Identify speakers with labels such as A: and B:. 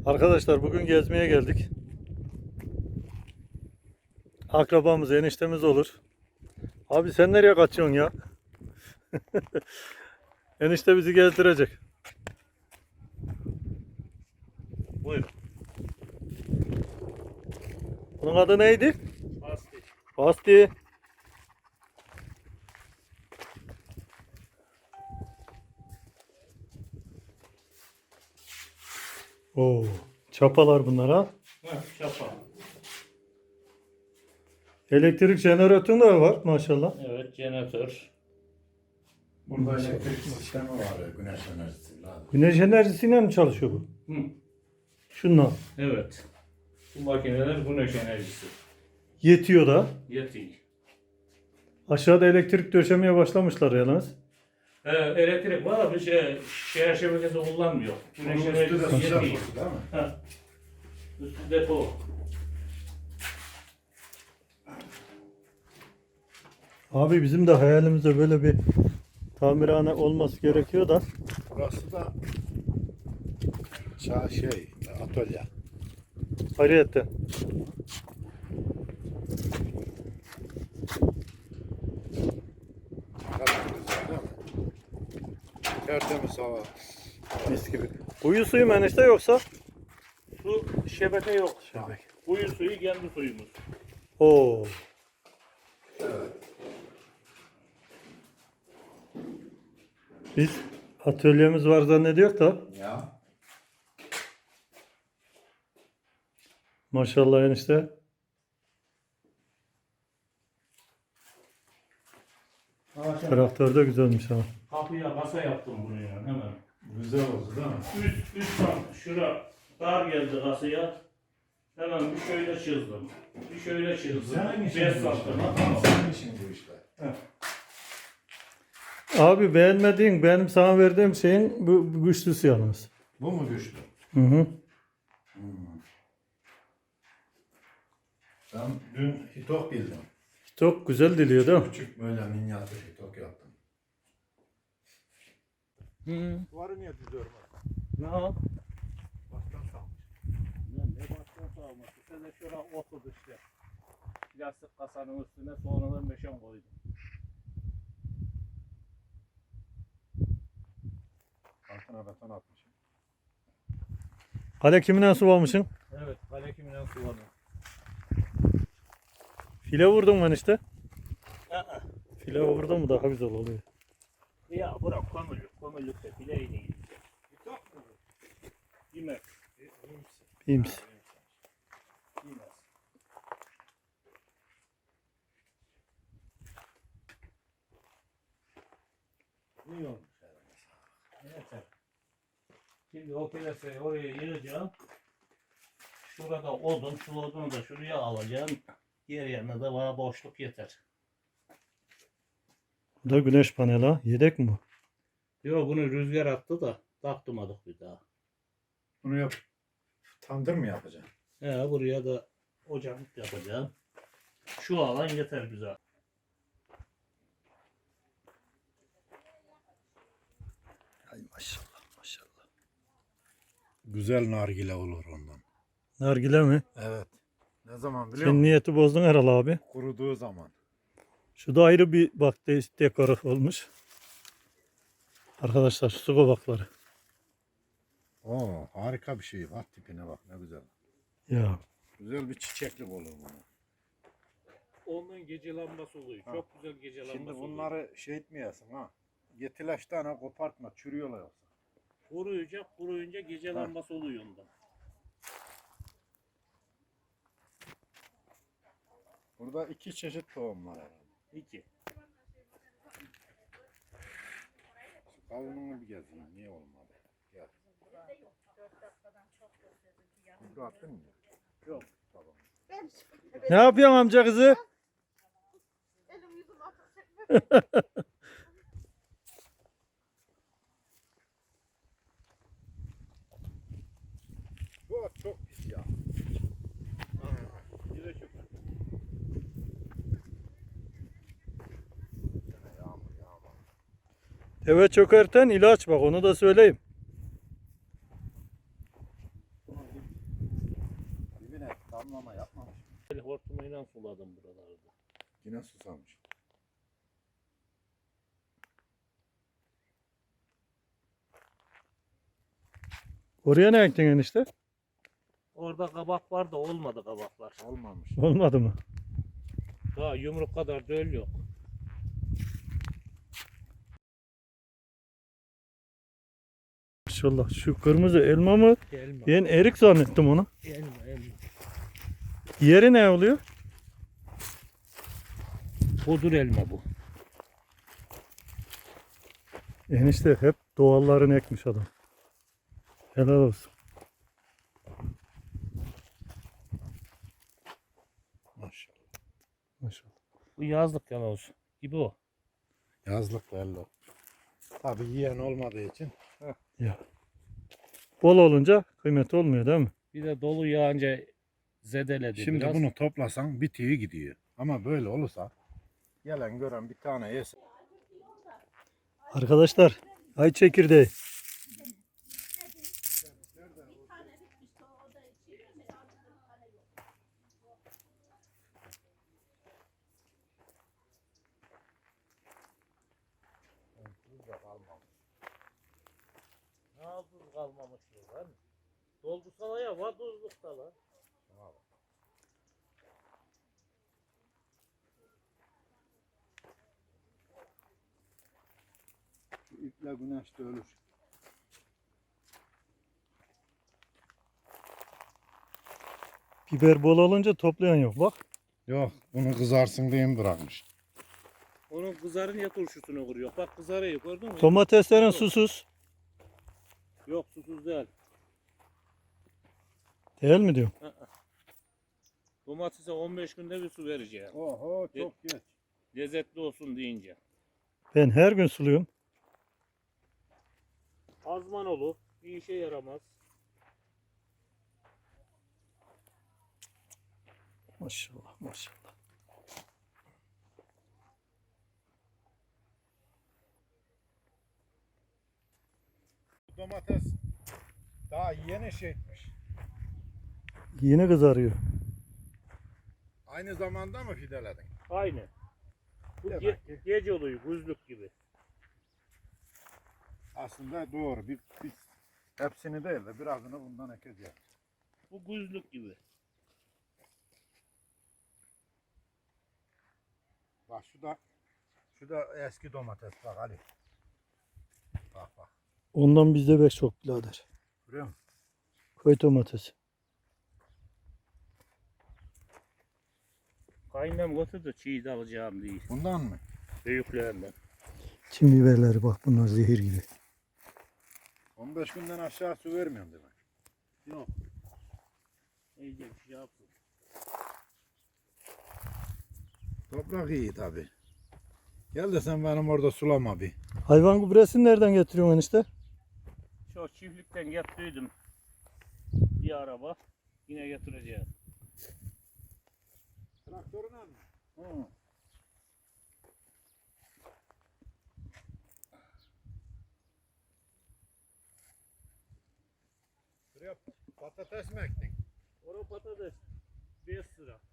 A: Arkadaşlar bugün gezmeye geldik. Akrabamız, eniştemiz olur. Abi sen nereye kaçıyorsun ya? Enişte bizi gezdirecek. Buyurun. Bunun adı neydi?
B: Basti.
A: Basti. Oo, çapalar bunlar ha.
B: Çapa.
A: Elektrik jeneratörü de var maşallah.
B: Evet, jeneratör.
C: Burada elektrik sistemi var, güneş enerjisi.
A: Güneş enerjisiyle mi çalışıyor bu?
B: Hı.
A: Şundan.
B: Evet. Bu makineler güneş enerjisi.
A: Yetiyor da.
B: Yetiyor.
A: Aşağıda elektrik döşemeye başlamışlar yalnız.
B: Elektrik var, bir şehir şebekesi kullanmıyor. Güneş
C: Bunun üstü de
B: enerjisi
C: su
B: yetiyor.
C: deposu değil mi?
B: Ha. Üstü depo.
A: Abi bizim de hayalimizde böyle bir tamirhane olması gerekiyor da.
C: Burası da atölye.
A: Ayrıyetten.
C: Güzel değil mi? Tertemiz hava.
A: Mis gibi. Kuyu suyu mu enişte yoksa?
B: Su şebeke yok.
A: Şebek.
B: Kuyu suyu kendi suyumuz.
A: Oo.
C: Evet.
A: Biz atölyemiz var zannediyor da.
C: Ya.
A: Maşallah enişte. Traktör de güzelmiş ha.
B: Kapıya kasa yaptım bunu yani hemen.
C: Güzel oldu değil mi?
B: Üst şura dar geldi kasaya. Hemen bir şöyle çizdim. Bir şöyle çizdim.
C: Senin işin
B: 5
C: bu
B: santim.
C: işler. Senin işin bu işler.
A: Abi beğenmediğin benim sana verdiğim şeyin bu güçlüsü yalnız.
C: Bu mu güçlü?
A: Hı hı.
C: Ben dün hitok bildim.
A: Çok güzel diliyor değil mi?
C: Küçük böyle minyatür hitok yaptım.
A: Hı.
C: Duvarı niye düzüyorum?
A: Ne o?
C: Baştan salmış.
B: Ne baştan sağlaması. Sen de şura oturdu işte. Plastik kasanın üstüne sonradan meşan koydum.
C: Altına beton atmışım.
A: Kale kimine su almışsın?
B: Evet, kale kimden sulanıyor.
A: File vurdun mu enişte? File vurdun mu daha güzel oluyor.
B: Ya bırak kömürlükte bileği değil.
C: Hitok mu?
B: Yemez.
A: İyi misin?
B: Yemez.
C: İyi olmuş.
B: Yeter. Şimdi o plasayı oraya yığacağım. Şurada odun, şu odunu da şuraya alacağım. Yer yanına da bana boşluk yeter.
A: Bu da güneş paneli ha. Yedek mi bu?
B: Yok bunu rüzgar attı da taktırmadık bir daha.
C: Bunu yap. Tandır mı yapacaksın?
B: Buraya da ocak yapacağım. Şu alan yeter bize.
A: Ay maşallah maşallah.
C: Güzel nargile olur ondan.
A: Nargile mi?
C: Evet. Ne zaman biliyor
A: Sen
C: musun?
A: niyeti bozdun herhalde abi.
C: Kuruduğu zaman.
A: Şu da ayrı bir bak dekor olmuş. Arkadaşlar su kabakları.
C: Oo, harika bir şey. Bak tipine bak ne güzel.
A: Ya
C: Güzel bir çiçeklik olur bu.
B: Onun gece lambası oluyor.
C: Ha.
B: Çok güzel gece lambası
C: Şimdi
B: oluyor.
C: bunları şey etmeyesin ha. Yetileşten ha kopartma, çürüyorlar yoksa.
B: Kuruyunca gece lambası oluyor ondan.
C: Burada iki çeşit tohum var herhalde.
B: 2.
C: Şu kavununu bir gezeyim. Niye olmadı? Gel. Bunu attın mı?
B: Yok.
C: Tamam.
A: ne yapıyorsun amca kızı?
D: Elim yüzüm atacak.
C: Bu at çok pis ya.
B: Yine çok.
C: Yağmur.
A: Deve çökerten ilaç bak onu da söyleyeyim.
B: Bir
C: damlama yapmamış.
B: El hortumuyla suladım buralarda.
C: Yine susamış.
A: Oraya ne ektin enişte?
B: Orada kabak var da olmadı kabaklar.
C: Olmamış.
A: Olmadı mı?
B: Daha yumruk kadar döl yok.
A: Maşallah şu kırmızı elma mı?
B: Elma.
A: Ben erik zannettim onu.
B: Elma.
A: Yeri ne oluyor?
B: Bodur elma bu.
A: Enişte hep doğallarını ekmiş adam. Helal olsun.
C: Maşallah.
A: Maşallah.
B: Bu yazlık yaloz gibi o.
C: Yazlık belli. Tabii yiyen olmadığı için.
A: Ya. Bol olunca kıymet olmuyor değil mi?
B: Bir de dolu yağınca zedeledi
C: Şimdi
B: biraz.
C: bunu toplasan bitiyor gidiyor. Ama böyle olursa gelen gören bir tane yesin.
A: Arkadaşlar ay çekirdeği.
B: Ne yaptın kalmamış lan? Doldursa ya var tuzlukta lan.
C: Şu iple güneşte ölür.
A: Biber bol olunca toplayan yok bak.
C: Yok bunu kızarsın diye mi bırakmış?
B: Onun kızarınca turşusunu vuruyor. Bak kızarıyor gördün mü?
A: Domateslerin susuz.
B: Yok susuz değil.
A: Değil mi diyorum?
B: Domatese 15 günde bir su vereceğim.
C: Oho çok geç.
B: Lezzetli olsun deyince.
A: Ben her gün suluyorum.
B: Azman olur. Bir işe yaramaz.
A: Maşallah maşallah.
C: Domates daha yeni şeymiş.
A: Yine kızarıyor.
C: Aynı zamanda mı fideledin?
B: Aynı. Bu
C: Demek ki-
B: gece oluyor. Buzluk gibi.
C: Aslında doğru. Bir hepsini değil de birazını bundan ekeceğiz.
B: Bu buzluk gibi.
C: Bak şu da eski domates bak Ali. Bak.
A: Ondan bizde beş çok birader.
C: Görüyor musun?
A: Köy domatesi.
B: Kaynam götürdü çiğ de alacağım değil.
C: Bundan mı?
B: Büyüklerinden.
A: Çin biberleri bak bunlar zehir gibi.
C: 15 günden aşağı su vermiyorum demek.
B: Yok. İyice bir şey yapsın.
C: Toprak iyi tabi. Gel de sen benim orada sulama bir.
A: Hayvan gübresini nereden getiriyorsun enişte?
B: Şu çiftlikten getirdim. Bir araba. Yine getireceğim.
C: Traktörüne mi?
B: Hı.
C: Şuraya patates mi ektin?
B: Orada patates 5 lira.